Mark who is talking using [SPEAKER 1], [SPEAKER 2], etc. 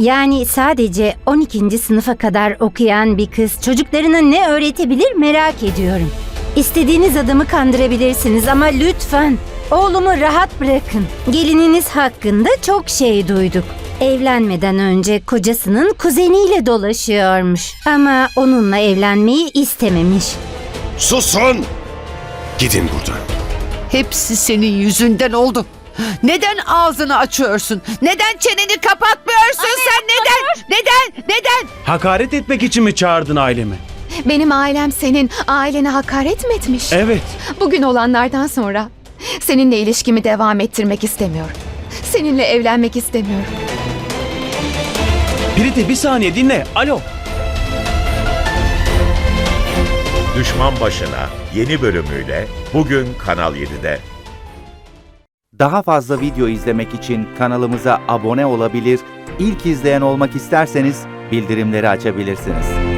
[SPEAKER 1] Yani sadece 12. sınıfa kadar okuyan bir kız çocuklarına ne öğretebilir merak ediyorum. İstediğiniz adamı kandırabilirsiniz ama lütfen oğlumu rahat bırakın. Gelininiz hakkında çok şey duyduk. Evlenmeden önce kocasının kuzeniyle dolaşıyormuş. Ama onunla evlenmeyi istememiş.
[SPEAKER 2] Susun! Gidin buradan.
[SPEAKER 3] Hepsi senin yüzünden oldu. Neden ağzını açıyorsun? Neden çeneni kapatmıyorsun sen? Neden?
[SPEAKER 4] Hakaret etmek için mi çağırdın ailemi?
[SPEAKER 5] Benim ailem senin ailene hakaret mi etmiş?
[SPEAKER 4] Evet.
[SPEAKER 5] Bugün olanlardan sonra seninle ilişkimi devam ettirmek istemiyorum. Seninle evlenmek istemiyorum.
[SPEAKER 4] Priti bir saniye dinle. Alo.
[SPEAKER 6] Düşman Başına yeni bölümüyle bugün Kanal 7'de.
[SPEAKER 7] Daha fazla video izlemek için kanalımıza abone olabilir, ilk izleyen olmak isterseniz bildirimleri açabilirsiniz.